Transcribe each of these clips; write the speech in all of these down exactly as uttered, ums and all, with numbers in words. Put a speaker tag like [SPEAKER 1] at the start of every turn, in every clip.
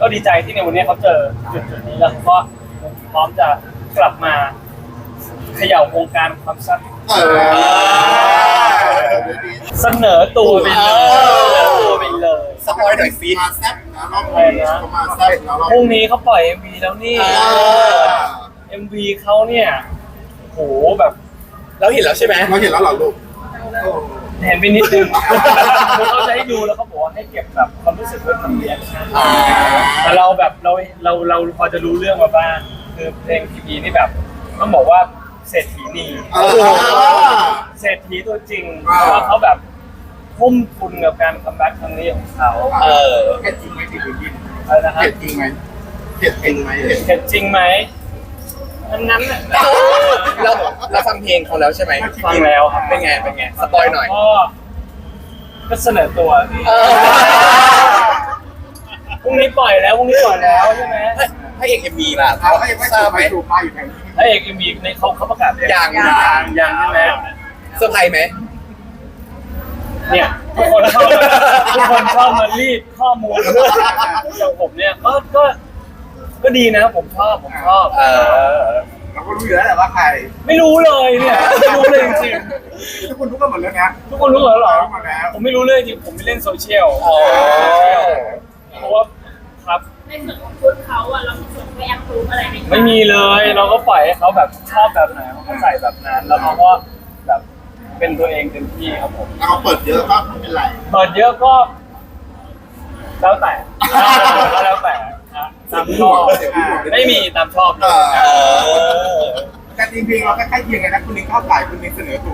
[SPEAKER 1] ก็ดีใจที่ในวันนี้เขาเจอจุดจุดนี้แล้วก็พร้อมจะกลับมาเขย่าวงการความซัดเสนอตัวไปเลยเสนอตัวไปเลย
[SPEAKER 2] สปอยหน่อยสิ
[SPEAKER 3] มาแซ่บนะรอบนี้เขามาแซ่บนะรอบ
[SPEAKER 1] พรุ่งนี้เขาปล่อย เอ็ม วี แล้วนี่ เอ็ม วี เขาเนี่ยโหแบบ
[SPEAKER 2] เราเห็นแล้วใช่ไหม
[SPEAKER 3] เราเห็นแล้วเหรอลูก
[SPEAKER 1] เห็นไปนิดนึงเขาจะให้ดูแล้วเขาบอกว่าให้เก็บแบบความรู้สึกไว้ทำเรียนแต่เราแบบเราเราเราพอจะรู้เรื่องมาบ้างคือเพลงพีพีนี่แบบต้องบอกว่าเศรษฐีนีเศรษฐีตัวจริงเพราะว่าเขาแบบทุ่มทุนกับการคัมแบ็กครั้งนี้ของเขา
[SPEAKER 2] เออ
[SPEAKER 3] เผ็ดจริงไหมที่คุณกิน
[SPEAKER 1] อะไรนะครั
[SPEAKER 3] เผ็
[SPEAKER 1] บ
[SPEAKER 3] ดจริงไหมเผ็ดจริงไหม
[SPEAKER 1] เผ็ดจริงไหมนั้นนั้นน่ะ
[SPEAKER 2] เราเราฟังเพลงเขาแล้วใช่ไหม
[SPEAKER 1] ฟังแล้วครับ
[SPEAKER 2] เป็นไงเป็นไงสปอยหน่อย
[SPEAKER 1] ก็ก็เสนอตัวพี่
[SPEAKER 2] เออ
[SPEAKER 1] พรุ่งนี้ปล่อยแล้วพรุ่งนี้ปล่อยแล้วใช่ไหม
[SPEAKER 2] พระเอกเอ็มวีล่ะ
[SPEAKER 3] เขาก็ยังไม่
[SPEAKER 2] ทรา
[SPEAKER 3] สู
[SPEAKER 2] บบ ไหม
[SPEAKER 3] ไปสูบมาอยู่แถวนี้
[SPEAKER 1] พระเอกเอ็มวีในเขาเขาประกาศ
[SPEAKER 2] ยัง
[SPEAKER 1] ยังยังใช่ไหม
[SPEAKER 2] เซอร์ไพรส์ไหม
[SPEAKER 1] เนี่ยทุกคนชอบทุกคนชอบมารีดข้อมูลอย่างผมเนี่ยก็ก็ก็ดีนะผมชอบผมชอบ
[SPEAKER 2] เออ
[SPEAKER 3] เราก็รู้อยู่แล้วแหละว่าใคร
[SPEAKER 1] ไม่รู้เลยเนี่ยไม่รู้เลยจริง
[SPEAKER 3] ทุกคนรู้กันหมดแล้วนะ
[SPEAKER 1] ๆทุกคนรู้เหรอเหรอ
[SPEAKER 3] รู้หมดแล้ว
[SPEAKER 1] ผมไม่รู้เลยจริงผมไม่เล่นโซเชียล
[SPEAKER 2] อ๋อ
[SPEAKER 1] เพราะว่าครับ
[SPEAKER 4] ในส่วนของชุดเขาอะเรามีส่วนไปแอปพรูฟอะไรไหมคะ
[SPEAKER 1] ไม่มีเลยเราก็ปล่อยให้เขาแบบชอบแบบไหนเขาก็ใส่แบบนั้นแล้วเขาก็แบบเป็นตัวเองเต็มที่ครับผม
[SPEAKER 3] ถ้าเขาเปิดเยอะก็ไม่เป็นไร
[SPEAKER 1] เปิดเยอะก็ แล้วแต่แล้วแต่นะตามชอบไม่มีตามชอบเลย
[SPEAKER 2] เออ
[SPEAKER 3] การจริงๆเราก็ใกล้เคียงกันนะคุณลิงเข้าขายคุณลิงเสนอตัว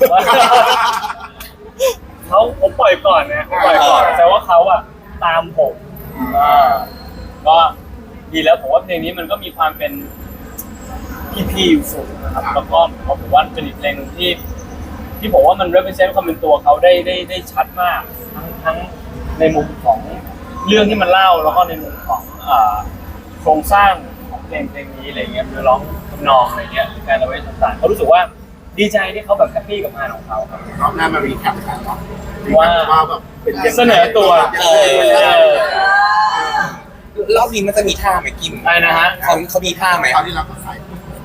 [SPEAKER 1] เขาผมปล่อยก่อนนะผมปล่อยก่อนแต่ว่าเขาอะตามผมอ่าก็ดีแล้วผมว่าเพลงนี้มันก็มีความเป็นพีพีอยู่สูงนะครับแล้วก็ผมว่าเป็นอีกเพลงหนึงที่ ที่ผมว่ามัน represent ความเป็นตัวเขาได้ได้ได้ชัดมากทั้งทั้งในมุมของเรื่องที่มันเล่าแล้วก็ในมุมของอ่าโครงสร้างของเพลงเพลงนี้อะไรเงี้ยหรือร้องทำนองอะไรเงี้ยหรือการเอาไว้ต่างๆเขารู้สึกว่าดีใจที่เขาแบบแฮปปี้กับงานของเขาครับ
[SPEAKER 3] รอบหน้ามารีแคปกันเนาะ
[SPEAKER 1] ว่า
[SPEAKER 3] ว่าแบบเป็นยังไง
[SPEAKER 1] เสนอตัว
[SPEAKER 2] เออ รอบนี้มันจะมีท่าไหมกิม
[SPEAKER 1] อะไรนะฮะ
[SPEAKER 2] เขาเขามีท่าไหม
[SPEAKER 3] คราวที่เราก็ใส่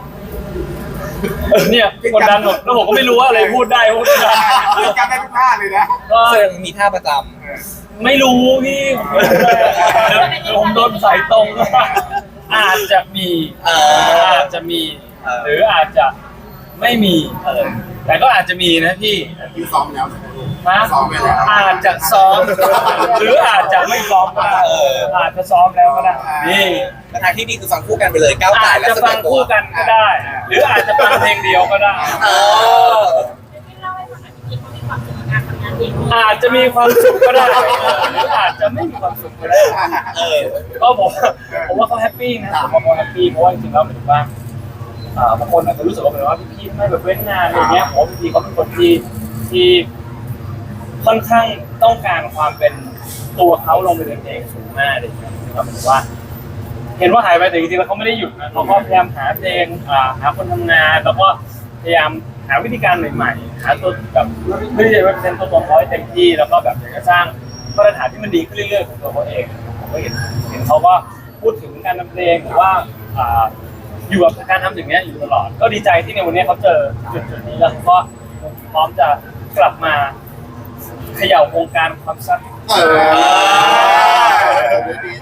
[SPEAKER 1] เนี่ยกดดันหมดแล้วผมก็ไม่รู้ว่าอะไรพูดได้พูดไม่ได้
[SPEAKER 3] จำได้ทุกท่าเลยนะ
[SPEAKER 1] ก็
[SPEAKER 2] แสดงมีท่าประจ
[SPEAKER 1] ไม่รู้พี่ผมโดนสายตรง อาจจะมี
[SPEAKER 2] ำเออ
[SPEAKER 1] อาจจะมี
[SPEAKER 2] เออ
[SPEAKER 1] หรืออาจจะไม่มีเออแต่ก็อาจจะมีนะพี่
[SPEAKER 3] คือซ้อมแล้ว
[SPEAKER 1] นะ
[SPEAKER 3] ซ้อมไปแล้ว
[SPEAKER 1] อาจจะซ้อม หรืออาจจะไม่ซ้อมก็ได้
[SPEAKER 2] เออ
[SPEAKER 1] อาจจะซ้อมแล้วก็ได้นี่
[SPEAKER 2] แต่ทางที่ดีคือฟังคู่กันไปเลยก้าวไก่
[SPEAKER 1] อาจ
[SPEAKER 2] และ
[SPEAKER 1] จะ
[SPEAKER 2] เสน
[SPEAKER 1] ฟั
[SPEAKER 2] อง ตัว
[SPEAKER 1] คู่กันก็ได้ หรืออาจจะฟังเพลงเดียวก็ได้
[SPEAKER 2] เออ
[SPEAKER 4] ไม่เล่าให้ฟังหน่อยพี่เขามีความสุขกับการทำงานเอง
[SPEAKER 1] อาจจะมีความสุขก็ได้หรืออาจจะไม่มีความสุขก็ได้
[SPEAKER 2] เออ
[SPEAKER 1] ก็ผมผมว่าเขาแฮปปี้นะผมว่าเขาแฮปปี้เพราะว่าจริงๆแล้วหมายถึงว่าอ่าบางคนอาจจะรู้สึกว่าเหมือนว่าพี่ๆไม่แบบเว้นงานอะไรเงี้ยผมว่าพี่ๆเขาเป็นคนที่ที่ค่อนข้างต้องการความเป็นตัวเขาลงไปในเพลงสูงมากเลยนะครับหมายถึงว่า เห็นว่าหายไปแต่จริงๆแล้วเขาไม่ได้หยุดนะเขาก็พยายามหาเพลงอ่าหาคนทำงานแล้วก็พยายามหาวิธีการใหม่ๆหาตัวแบบเพื่อที่จะเป็นตัวตนเขาให้เต็มที่แล้วก็แบบอยากจะสร้างมาตรฐานที่มันดีขึ้นเรื่อยๆของตัวเขาเองผมก็เห็นเห็นเขาก็พูดถึงการทำเพลงหรือว่าอ่าอยู่กับการทำสิ่งนี้อยู่ตลอดก็ดีใจที่ในวันนี้เขาเจอจุดจุดๆนี้แล้วก็พร้อมจะกลับมาเขย่าวงการความซัด
[SPEAKER 3] เออ